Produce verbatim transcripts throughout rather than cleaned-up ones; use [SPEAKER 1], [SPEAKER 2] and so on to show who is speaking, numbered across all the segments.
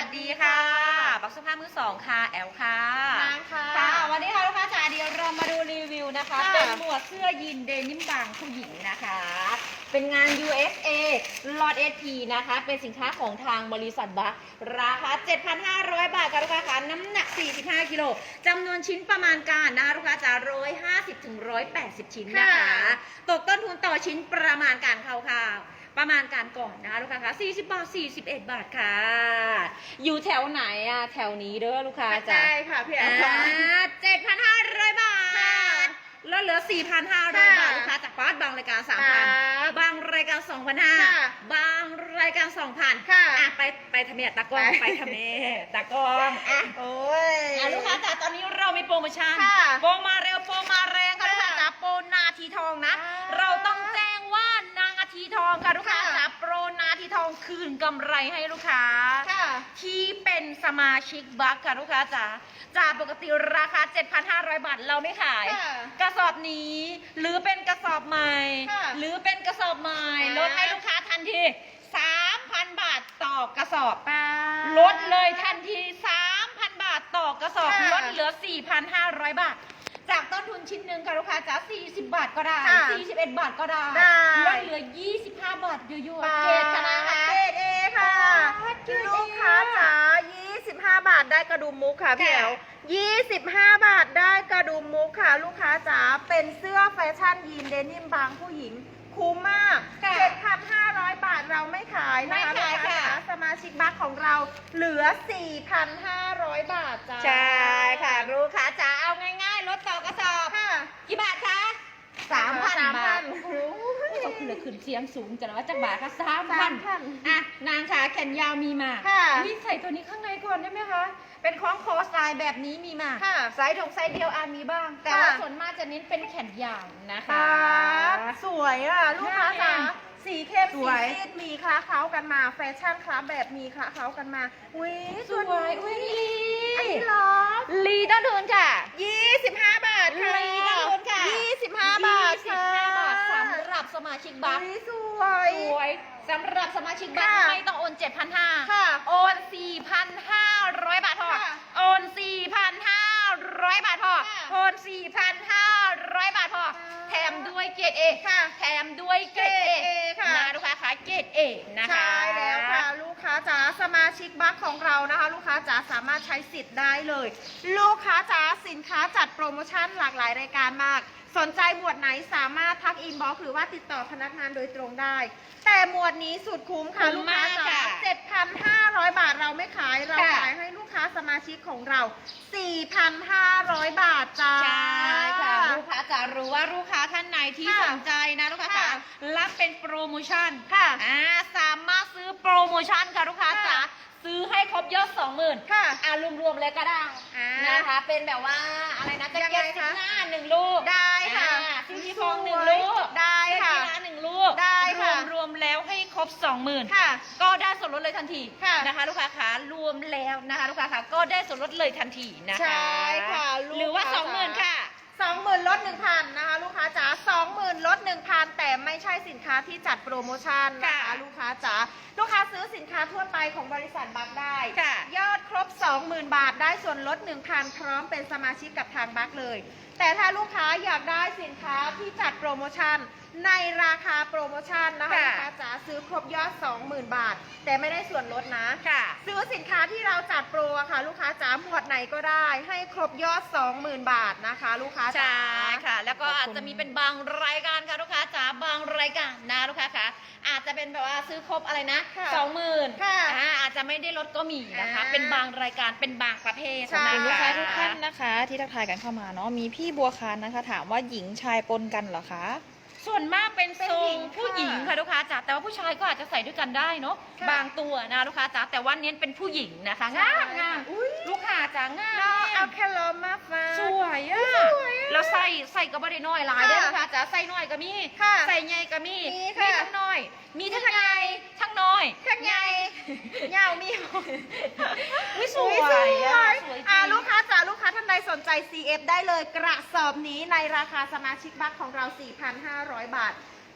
[SPEAKER 1] สดีค่ะบักสภาพมือสองค่ะแอลค่ะ
[SPEAKER 2] นางค่ะ
[SPEAKER 1] ค่ะวันนี้ค่ะลูกค้าจ๋าเดี๋ยวเรามาดูรีวิวนะคะเป็นหมวดเสื้อยีนเดนิมบางผู้หญิงนะคะเป็นงาน ยู เอส เอ Lot เอส พี นะคะเป็นสินค้าของทางบริษัทบัคราคา เจ็ดพันห้าร้อย บาทค่ะลูกค้าค่ะน้ำหนักสี่สิบห้ากิโลจำนวนชิ้นประมาณการนะคะลูกค้าจ๋าหนึ่งร้อยห้าสิบถึงหนึ่งร้อยแปดสิบชิ้นนะคะตกต้นทุนต่อชิ้นประมาณการคร่าวๆประมาณการก่อนนะคะลูกค้าคะสี่สิบบาทสี่สิบเอ็ดบาทค่ะอยู่แถวไหนอะแถวนี้เด้อลูกค้าจ้ะ
[SPEAKER 2] ใช่ค่ะพี่แอลค่ะ
[SPEAKER 1] เจ็ดพันห้าร้อยบาทแล้วเหลือ สี่พันห้าร้อย บาทลูกค้าจากฟาสบางรายการ สามพัน บางรายการ สองพันห้าร้อย บางรายการ สองพัน
[SPEAKER 2] ค่ะ
[SPEAKER 1] อ่ะไปไปทำเมียตากล้องไปทำเมียตากล้องอ่ะ
[SPEAKER 2] โอ้ย
[SPEAKER 1] อ่ะลูกค้าจ๋าตอนนี้เรามีโปรโมชั่น
[SPEAKER 2] ค่ะ
[SPEAKER 1] โปรมาเร็วโปรมาแรงค่ะลูกค้าจ๋าโปรนาทีทองนะ
[SPEAKER 2] อ่า
[SPEAKER 1] เราต้องแจ้งว่านางนาทีทองค่ะลูกค้า
[SPEAKER 2] ค่ะ
[SPEAKER 1] จ๋าโปรนาทีทองคืนกำไรให้ลูกค้า
[SPEAKER 2] ค่ะ
[SPEAKER 1] ที่เป็นสมาชิกบัคค่ะลูกค้าจ๋าจากปกติราคา เจ็ดพันห้าร้อย บาทเราไม่ขาย
[SPEAKER 2] ค่ะ
[SPEAKER 1] กระสอบนี้หรือเป็นกระสอบใหม่
[SPEAKER 2] ค่ะ
[SPEAKER 1] หรือเป็นกระสอบใหม่
[SPEAKER 2] อ่า
[SPEAKER 1] ลดให้ลูกค้าทันที สามพัน บาทต่อกระสอบ
[SPEAKER 2] ป้า
[SPEAKER 1] ลดเลยทันที สามพัน บาทต่อกระสอบ
[SPEAKER 2] ค่ะ
[SPEAKER 1] ลดเหลือ สี่พันห้าร้อย บาท จากต้นทุนชิ้นหนึ่งค่ะลูกค้าจ๋าสี่สิบบาทก็ได้
[SPEAKER 2] ค่ะ
[SPEAKER 1] สี่สิบเอ็ดบาทก็ได้
[SPEAKER 2] ได้
[SPEAKER 1] ลดเหลือยี่สิบห้าบาทยั่ว
[SPEAKER 2] ป้า
[SPEAKER 1] ๆเกตคณะคะ
[SPEAKER 2] เกรดเอค่ะ
[SPEAKER 1] เกรด A
[SPEAKER 2] ลูกค้าจ๋ายี่สิบห้า บาทได้กระดุมมุกค่ะพี่แอลยี่สิบห้า บาทได้กระดุมมุกค่ะ ลูกค้าจ๋าเป็นเสื้อแฟชั่นยีนเดนิมบางผู้หญิงคุ้มมาก
[SPEAKER 1] ค่ะ
[SPEAKER 2] เจ็ดพันห้าร้อย บาทเราไม่ขายนะคะ
[SPEAKER 1] ไม่ขาย
[SPEAKER 2] ลูกค้า
[SPEAKER 1] ค่ะ
[SPEAKER 2] จ๋าสมาชิกบัคของเราเหลือ สี่พันห้าร้อย บาทจ้า
[SPEAKER 1] ใช่ค่ะลูกค้าจ๋าเอาง่ายๆลดต่อกระสอบ
[SPEAKER 2] ค่ะ
[SPEAKER 1] กี่บาทคะสามพัน
[SPEAKER 2] สามพั
[SPEAKER 1] บาท
[SPEAKER 2] น
[SPEAKER 1] โอ้โหเขาขึ้นเลยขึ้นเสียงสูงจังว่าจากบาทคะสาม
[SPEAKER 2] สา
[SPEAKER 1] พัน
[SPEAKER 2] มพัน
[SPEAKER 1] อ่ะนางขาแขนยาวมีมา
[SPEAKER 2] ค่ะ
[SPEAKER 1] นี่ใส่ตัวนี้ข้างในก่อนได้ไหมคะเป็นคล้องคอสไตล์แบบนี้มีมา
[SPEAKER 2] ค่ะ
[SPEAKER 1] ไซส์ถกไซส์เดียวอาจมีบ้าง แต่
[SPEAKER 2] ค่ะ
[SPEAKER 1] ว่าส่วนมากจะเน้นเป็นแขนยาวนะคะ
[SPEAKER 2] สวยอ่ะ ลูกค้าจ๋า
[SPEAKER 1] ค่ะ
[SPEAKER 2] สีเข้ม
[SPEAKER 1] ส
[SPEAKER 2] สี
[SPEAKER 1] วย
[SPEAKER 2] ซีดมีคล้าเคล้ากันมา แฟชั่นคล้าแบบมีคล้าเคล้ากันมาอุ้ย
[SPEAKER 1] สวยอุ้ยลี
[SPEAKER 2] อันนี้เหรอ
[SPEAKER 1] ลีต้นทุนค่ะ
[SPEAKER 2] ยี่สิบห้า บาทค่ะ
[SPEAKER 1] ลีต้นทุนค่ะ
[SPEAKER 2] ยี่สิบห้า บาท
[SPEAKER 1] ยี่สิบ
[SPEAKER 2] ค่ะ
[SPEAKER 1] ห้าบาทสำหรับสมาชิกบัค
[SPEAKER 2] อุ๊ยสวย
[SPEAKER 1] สวยสำหรับสมาชิกบัค
[SPEAKER 2] ค่ะ
[SPEAKER 1] ไม่ต้องโอน เจ็ดพันห้าร้อย
[SPEAKER 2] ค่ะ
[SPEAKER 1] โอน สี่พันห้าร้อย บาทพอ
[SPEAKER 2] ค่ะ
[SPEAKER 1] โอน สี่พันห้าร้อย บาทพอ
[SPEAKER 2] ค่ะ
[SPEAKER 1] โอน สี่พันห้าร้อย บาทพอ
[SPEAKER 2] ค่ะ
[SPEAKER 1] แถมด้วยเกรดเอ
[SPEAKER 2] ค่ะ
[SPEAKER 1] แถมด้วยเกรดเอ
[SPEAKER 2] เกรด A ค่ะ
[SPEAKER 1] นะลูกค้าคะเกรดเอนะคะ
[SPEAKER 2] ใช่แล้วค่ะ ลูกค้าจ๋าสมาชิกบัคของเรานะคะ ลูกค้าจ๋าสามารถใช้สิทธิ์ได้เลย ลูกค้าจ๋าสินค้าจัดโปรโมชั่นหลากหลายรายการมาก สนใจหมวดไหนสามารถทักอินบ็อกซ์หรือว่าติดต่อพนักงานโดยตรงได้ แต่หมวดนี้สุดคุ้มค่ะ
[SPEAKER 1] คุ้
[SPEAKER 2] ลู
[SPEAKER 1] ม
[SPEAKER 2] กค้าม
[SPEAKER 1] าก
[SPEAKER 2] จ๋า
[SPEAKER 1] ค่ะ
[SPEAKER 2] เจ็ดพันห้าร้อย บาทเราไม่ขายเรา
[SPEAKER 1] ค่ะ
[SPEAKER 2] ขายให้ลูกค้าสมาชิกของเรา สี่พันห้าร้อย บาทจ้า
[SPEAKER 1] ใช่ค่ะลูกค้าจะรู้ว่าลูกค้าท่านไหนที่
[SPEAKER 2] ค่ะ
[SPEAKER 1] สนใจนะลูกค้า
[SPEAKER 2] ค่ะ
[SPEAKER 1] จ๋ารับเป็นโปรโมชั่น
[SPEAKER 2] ค่ะ
[SPEAKER 1] อ่าสามารถซื้อโปรโมชั่นค่ะลูกค้าจ๋า
[SPEAKER 2] ค่ะ
[SPEAKER 1] ซื้อให้ครบยอดสองหมื่น
[SPEAKER 2] ค่ะ
[SPEAKER 1] อ่ารวมๆเลยก็ได้
[SPEAKER 2] อ่า
[SPEAKER 1] นะคะ เป็นแบบว่าอะไรนะแจ็คเก็ต
[SPEAKER 2] ยังไง
[SPEAKER 1] สิ
[SPEAKER 2] คะ
[SPEAKER 1] บหน้าหนึ่งลูก
[SPEAKER 2] ได้ค่ะ
[SPEAKER 1] อ่าซิลิโคนหนึ่งลูก
[SPEAKER 2] ได้ค่ะ
[SPEAKER 1] เสื้อกีฬาหนึ่งลูก
[SPEAKER 2] ได้ค่ะ
[SPEAKER 1] รวมๆแล้วให้ครบสองหมื่น
[SPEAKER 2] ค่ะ
[SPEAKER 1] ก็ได้ส่วนลดเลยทันที
[SPEAKER 2] ค่ะ
[SPEAKER 1] นะคะ ลูกค้าขารวมแล้วนะคะลูกค้าขาก็ได้ส่วนลดเลยทันทีนะคะ
[SPEAKER 2] ใช่ค่ะลูก
[SPEAKER 1] หรือว่า
[SPEAKER 2] ค้า
[SPEAKER 1] สองหมื่น
[SPEAKER 2] จ๋า
[SPEAKER 1] ค่ะ
[SPEAKER 2] สองหมื่นลดหนึ่งพันนะคะ ลูกค้าจ๋าสองหมื่นลดหนึ่งพันแต่ไม่ใช่สินค้าที่จัดโปรโมชั่นนะคะ
[SPEAKER 1] ค่ะ
[SPEAKER 2] ลูกค้าจ๋าลูกค้าซื้อสินค้าทั่วไปของบริษัทบัคได้
[SPEAKER 1] ค่ะ
[SPEAKER 2] ยอดครบ สองหมื่น บาทได้ส่วนลด หนึ่งพัน พร้อมเป็นสมาชิกกับทางบัคเลย แต่ถ้าลูกค้าอยากได้สินค้าที่จัดโปรโมชั่นในราคาโปรโมชั่นนะคะ
[SPEAKER 1] ค่ะ
[SPEAKER 2] ลูกค้าจ๋าซื้อครบยอด สองหมื่น บาท แต่ไม่ได้ส่วนลดนะ
[SPEAKER 1] ค่ะ
[SPEAKER 2] ซื้อสินค้าที่เราจัดโปรอะค่ะ ลูกค้าจ๋าหมวดไหนก็ได้ ให้ครบยอด สองหมื่น บาทนะคะ ลูกค้า
[SPEAKER 1] ใช่
[SPEAKER 2] จ๋า
[SPEAKER 1] ค่ะ แล้วก็
[SPEAKER 2] ขอบคุณ
[SPEAKER 1] อาจจะมีเป็นบางรายการค่ะลูกค้าจ๋าบางรายการนะลูกค้าคะอาจจะเป็นแบบว่าซื้อครบอะไรนะ
[SPEAKER 2] ค่ะ
[SPEAKER 1] สองหมื่น
[SPEAKER 2] ค่ะ
[SPEAKER 1] อ่าอาจจะไม่ได้ลดก็มีนะคะ
[SPEAKER 2] อ่า
[SPEAKER 1] เป็นบางรายการเป็นบางประเภท
[SPEAKER 2] ใช่
[SPEAKER 1] นะ
[SPEAKER 3] ลูก
[SPEAKER 1] คะ
[SPEAKER 3] ค้าทุกท่านนะคะที่ทักทายกันเข้ามาเนาะมีพี่บัวคานนะคะ ถามว่าหญิงชายปนกันเหรอคะ
[SPEAKER 1] ส่วนมากเป็น
[SPEAKER 2] เป็น
[SPEAKER 1] ทร
[SPEAKER 2] หญิ
[SPEAKER 1] ง
[SPEAKER 2] ง
[SPEAKER 1] ผู้หญิง
[SPEAKER 2] ค่ะ
[SPEAKER 1] ค่ะลูกค้าจ๋าแต่ว่าผู้ชายก็อาจจะใส่ด้วยกันได้เนาะ
[SPEAKER 2] ค่ะ
[SPEAKER 1] บางตัวนะลูกค้าจ๋าแต่ว่าเน้นเป็นผู้หญิงนะคะงามงาม
[SPEAKER 2] อุ๊ย
[SPEAKER 1] ลูกค้าจ๋างาม
[SPEAKER 2] น้องเอาแคลอมาฟ้า
[SPEAKER 1] สวยอ่ะ
[SPEAKER 2] สวยอะ
[SPEAKER 1] แล้วใส่ใส่ก็บ่ได้น้อยหลาย
[SPEAKER 2] ค่ะ
[SPEAKER 1] เด้อลูกค้าจ๋าใส่น้อยก็มี
[SPEAKER 2] ค่ะ
[SPEAKER 1] ใส่ใหญ่ก็มี
[SPEAKER 2] มีค่ะ
[SPEAKER 1] ทั้งน้อย มีทั้งใหญ่ทั้งน้อย
[SPEAKER 2] ทั้งใหญ่ยาวมี
[SPEAKER 1] วิส
[SPEAKER 2] อุ๊
[SPEAKER 1] วย
[SPEAKER 2] สวย
[SPEAKER 1] อ่ะสวยจริ
[SPEAKER 2] อ่าง ลูกค้าจ๋าลูกค้าท่านใดสนใจ ซี เอฟ ได้เลยกระสอบนี้ในราคาสมาชิกบัคของเรา สี่พันห้าร้อย บาท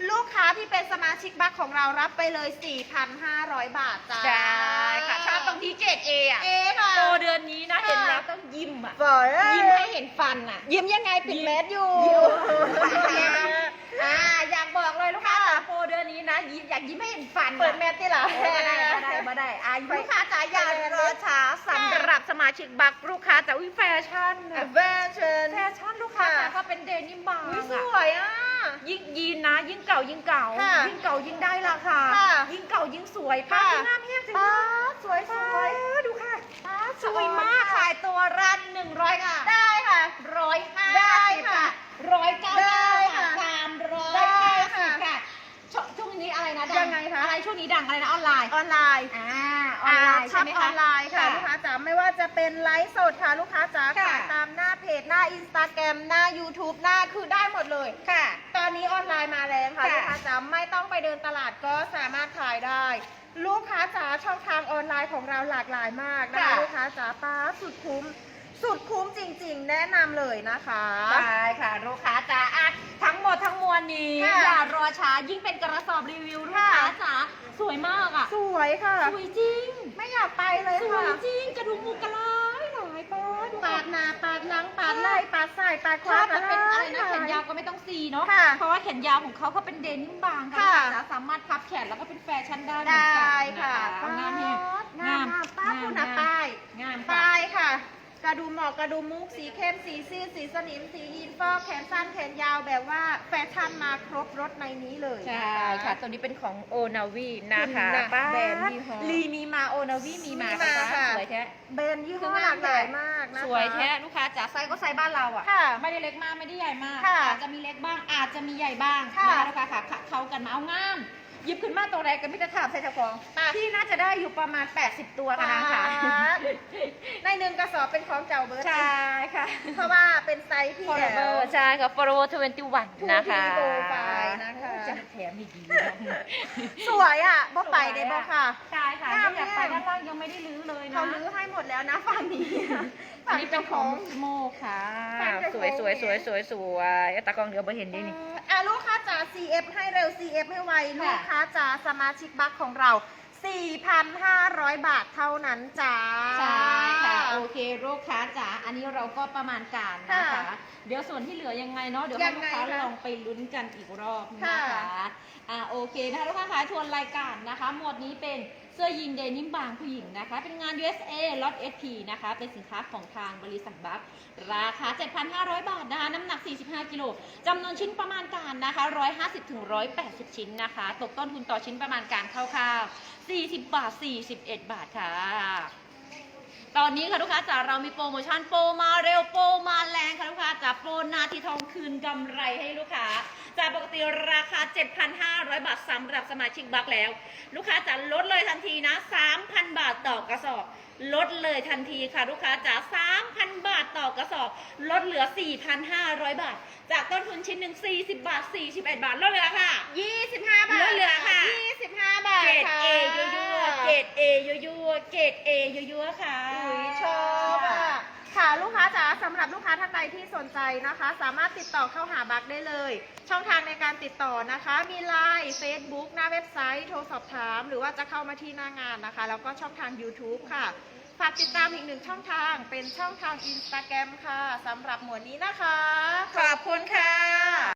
[SPEAKER 2] ลูกค้าที่เป็นสมาชิกบัคของเรารับไปเลย สี่พันห้าร้อย บาทจ้า
[SPEAKER 1] ใช่ค่ะชอบตรงที่เกรดเออะ
[SPEAKER 2] เอค่ะ
[SPEAKER 1] โปรเดือนนี้นะ
[SPEAKER 2] ค่ะ
[SPEAKER 1] เห็นแล้วต้องยิ้มอะ
[SPEAKER 2] บอกเลย
[SPEAKER 1] ยิ้มให้เห็นฟันอะ
[SPEAKER 2] ยิ้มยังไงปิดแมสอยู่
[SPEAKER 1] อ่าอยากบอกเลยลูกค้าจ๋าโปรเดือนนี้นะยิ้มอยากยิ้มให้เห็นฟันอะ
[SPEAKER 2] เปิดแมสที่หลัง
[SPEAKER 1] เออมาได้มาได้มาได้อ่ะลูกค้าจ๋าอย่ารอช้าสำหรับสมาชิกบัคลูกค้าจ๋าวิแฟชั่นอะ
[SPEAKER 2] แฟชั่น
[SPEAKER 1] แฟชั่นลูกค้าจ๋าก็เป็นเดนิมบาง
[SPEAKER 2] อุ๊ยส
[SPEAKER 1] อะ
[SPEAKER 2] วยอ่ะ
[SPEAKER 1] ยิ่งยีนนะ ยิ่งเก่ายิ่งเก่า
[SPEAKER 2] ค่ะ
[SPEAKER 1] ยิ่งเก่ายิ่งได้ราคา
[SPEAKER 2] ค่ะ
[SPEAKER 1] ยิ่งเก่ายิ่งสวยป้า
[SPEAKER 2] ค่ะ
[SPEAKER 1] ที่หน้าแห้งจัง
[SPEAKER 2] ป๊า
[SPEAKER 1] เลย
[SPEAKER 2] ดสวยสวย
[SPEAKER 1] ป้าดูค่ะ
[SPEAKER 2] ป๊าด
[SPEAKER 1] สวยมาก
[SPEAKER 2] ค่ะ
[SPEAKER 1] ขายตัวรันหนึ่งร้อยค่ะ
[SPEAKER 2] ได้ค่ะ
[SPEAKER 1] ร้อยห้า
[SPEAKER 2] ได้
[SPEAKER 1] สิบ
[SPEAKER 2] ค่ะ
[SPEAKER 1] ร้อยเก้า
[SPEAKER 2] ได้
[SPEAKER 1] ค่ะ
[SPEAKER 2] ค่ะ
[SPEAKER 1] สามร้อย
[SPEAKER 2] ได้
[SPEAKER 1] ห้าสิ
[SPEAKER 2] ค่ะ
[SPEAKER 1] บค่ะช่วงช่วงนี้อะไรนะดั
[SPEAKER 2] ยังไงคะ
[SPEAKER 1] อะไรช่วงนี้ดังอะไรนะออนไลน์
[SPEAKER 2] ออนไลน์
[SPEAKER 1] อ่าออนไลน์
[SPEAKER 2] ช็
[SPEAKER 1] ใช่
[SPEAKER 2] อป
[SPEAKER 1] ไหม
[SPEAKER 2] อ
[SPEAKER 1] คะ
[SPEAKER 2] อนไลน์ค่ะลูกค้าจ๋าไม่ว่าจะเป็นไลฟ์สดค่ะลูกค้าจ๋า
[SPEAKER 1] ค่ะ
[SPEAKER 2] ขายตามหน้าเพจหน้าอินสตาแกรมหน้า YouTube หน้าคือได้หมดเลย
[SPEAKER 1] ค่ะ
[SPEAKER 2] ตอนนี้ออนไลน์มาแรงค่ะ
[SPEAKER 1] ค่ะ
[SPEAKER 2] ลูกค้าจ๋าไม่ต้องไปเดินตลาดก็สามารถขายได้ ลูกค้าจ๋าช่องทางออนไลน์ของเราหลากหลายมากนะคะ
[SPEAKER 1] ค่ะ
[SPEAKER 2] ลูกค้าจ๋าป้าสุดคุ้ม สุดคุ้มจริงๆ แนะนำเลยนะคะ
[SPEAKER 1] ใช่ค่ะลูกค้าจ๋าอ่ะทั้งหมดทั้งมวลนี้
[SPEAKER 2] ค่ะ
[SPEAKER 1] อย่ารอช้ายิ่งเป็นกระสอบรีวิวลูก
[SPEAKER 2] ค่ะ
[SPEAKER 1] ค้าจ๋าสวยมากอ่ะ
[SPEAKER 2] สวยค่ะ
[SPEAKER 1] สวยจริง
[SPEAKER 2] ไม่อยากไปเลย
[SPEAKER 1] สว
[SPEAKER 2] ค่ะ
[SPEAKER 1] ยจริงกระดุมหมูกระลายหลายป้าดู
[SPEAKER 2] ปา
[SPEAKER 1] ค่ะ
[SPEAKER 2] ดหน้าปาดหลังปาดไหล่ปาดซ้ายปาดขวา
[SPEAKER 1] ถ้ามันเป็นอะไรนะ
[SPEAKER 2] ปาด
[SPEAKER 1] แขนยาวก็ไม่ต้องซีเนาะ
[SPEAKER 2] ค่ะ
[SPEAKER 1] เพราะว่าแขนยาวของเขาเขาเป็นเดนิมบางค่ะ
[SPEAKER 2] ค่ะ
[SPEAKER 1] ลูกค้าจ๋าสามารถพับแขนแล้วก็เป็นแฟชั่นได้เหมื
[SPEAKER 2] ได
[SPEAKER 1] อนกัน้
[SPEAKER 2] ค่ะ
[SPEAKER 1] เอางามแฮง
[SPEAKER 2] งามงามป้าคุณนะป้าย
[SPEAKER 1] งามค่ะ
[SPEAKER 2] ป้ายค่ะ กระดุมหมอกกระดุมมุกสีเข้มสีซีดสีสนิมสียีนฟอกแขนสั้นแขนยาวแบบว่าแฟชั่นมาครบรถในนี้เลย
[SPEAKER 1] ใช่ค่ะตัวนี้เป็นของโอนาวีนะคะ
[SPEAKER 2] คุณนะ
[SPEAKER 1] ป้า
[SPEAKER 2] แบรนด์ยี่ห้อ
[SPEAKER 1] ลีมีมาโอนาวีมีมา
[SPEAKER 2] มีมา
[SPEAKER 1] ค่ะ
[SPEAKER 2] ค่ะ
[SPEAKER 1] สวยแท้
[SPEAKER 2] แบรนด์ยี่ห้อหลากหลายมากนะคะ
[SPEAKER 1] สวยแท้ลูกค้าจ๋าไซส์ก็ไซส์บ้านเราอ่ะ
[SPEAKER 2] ค่ะ
[SPEAKER 1] ไม่ได้เล็กมากไม่ได้ใหญ่มาก
[SPEAKER 2] ค่ะ
[SPEAKER 1] อาจจะมีเล็กบ้างอาจจะมีใหญ่บ้าง
[SPEAKER 2] ค่ะ
[SPEAKER 1] นะคะลูกค้าค่ะค่ะเข้ากันมาเอางามหยิบขึ้นมาตัวแรกกันไม่จะถามใส่เจ้าของ
[SPEAKER 2] ค่ะ
[SPEAKER 1] ที่น่าจะได้อยู่ประมาณแปดสิบตัวค่ะนางค่ะ
[SPEAKER 2] ในหนึ่งกระสอบเป็นของเจ้าเบิร์ด
[SPEAKER 1] ใช่ค่ะ
[SPEAKER 2] เพราะว่าเป็นไซส์ที่
[SPEAKER 1] Forever ใช่ค่ะ Forever ยี่สิบเอ็ด
[SPEAKER 2] ทู
[SPEAKER 1] นะคะ
[SPEAKER 2] ทีโปรไฟล์นะคะ
[SPEAKER 1] จะแถมอีกดี
[SPEAKER 2] สวยอ่ะบ่ไปได้บ่ค่ะ
[SPEAKER 1] ใช่ค่ะ
[SPEAKER 2] งาม
[SPEAKER 1] ถ้าอยากไป
[SPEAKER 2] แน่
[SPEAKER 1] ด้านล่างยังไม่ได้รื้อเลยนะ
[SPEAKER 2] เขาลื้อให้หมดแล้วนะฝั่งนี้
[SPEAKER 1] อันนี้เป็นของโมค่ะ
[SPEAKER 2] ฝั่งเจ้า
[SPEAKER 1] ส
[SPEAKER 2] ของ
[SPEAKER 1] วยสวยสวยสวยสวยตากล้องเดี๋ยวไปเห็นดินี่
[SPEAKER 2] อ่ะลูกค้าจ๋า ซี เอฟ ให้เร็ว ซี เอฟ ให้ไว ลูกค้าจ๋าสมาชิกบัคของเรา สี่พันห้าร้อย บาทเท่านั้นจ้า
[SPEAKER 1] ใช่ค่ะ โอเคลูกค้าจ๋าอันนี้เราก็ประมาณการนะคะ
[SPEAKER 2] ค่ะ
[SPEAKER 1] เดี๋ยวส่วนที่เหลือยังไงเนาะเดี๋ยวให้ลูกค้า
[SPEAKER 2] ยังไงคะ
[SPEAKER 1] ลองไปลุ้นกันอีกรอบนะ
[SPEAKER 2] ค่ะ
[SPEAKER 1] คะอ่าโอเคนะคะลูกค้าขายทวนรายการนะคะ หมวดนี้เป็นเสื้อยีนเดนิมบางผู้หญิงนะคะ เป็นงาน ยู เอส เอ ล็อต เอส พี นะคะ เป็นสินค้าของทางบริษัทบัคราคา เจ็ดพันห้าร้อย บาทนะคะ น้ำหนัก สี่สิบห้า กิโลจำนวนชิ้นประมาณการนะคะ หนึ่งร้อยห้าสิบถึงหนึ่งร้อยแปดสิบ ชิ้นนะคะ ตกต้นทุนต่อชิ้นประมาณการคร่าวๆสี่สิบบาท สี่สิบเอ็ด บาทค่ะ ตอนนี้ค่ะลูกค้าจ๋าเรามีโปรโมชั่นโปรมาเร็วโปรมาแรงค่ะลูกค้าจ๋าโปรนาทีทองคืนกำไรให้ลูกค้าจากปกติราคา เจ็ดพันห้าร้อย บาทสำหรับสมาชิกบัคแล้ว ลูกค้าจ๋าลดเลยทันทีนะ สามพัน บาทต่อกระสอบลดเลยทันทีค่ะลูกค้าจ๋า สามพัน บาทต่อกระสอบลดเหลือ สี่พันห้าร้อย บาท จากต้นทุนชิ้นหนึ่งสี่สิบบาท สี่สิบเอ็ด บาทลดเหลือค่ะ
[SPEAKER 2] ยี่สิบห้า บาท
[SPEAKER 1] ลดเหลือค่ะ
[SPEAKER 2] ยี่สิบห้า บาท
[SPEAKER 1] เกรด
[SPEAKER 2] ค่ะ
[SPEAKER 1] เอยั่วๆเกรดเอยั่วๆเกรดเอยั่วๆค่ะ
[SPEAKER 2] อุ๊ยชอบอ่ะค่ะลูกค้าจ๋าสำหรับลูกค้าท่านใดที่สนใจนะคะ สามารถติดต่อเข้าหาบัคได้เลย ช่องทางในการติดต่อนะคะ มี ไลน์ เฟซบุ๊ก หน้าเว็บไซต์ โทรสอบถาม หรือว่าจะเข้ามาที่หน้างานนะคะ แล้วก็ช่องทาง YouTube ค่ะ ฝากติดตามอีกหนึ่งช่องทาง เป็นช่องทาง Instagram ค่ะสำหรับหมวดนี้นะคะ
[SPEAKER 1] ขอบคุณค่ะ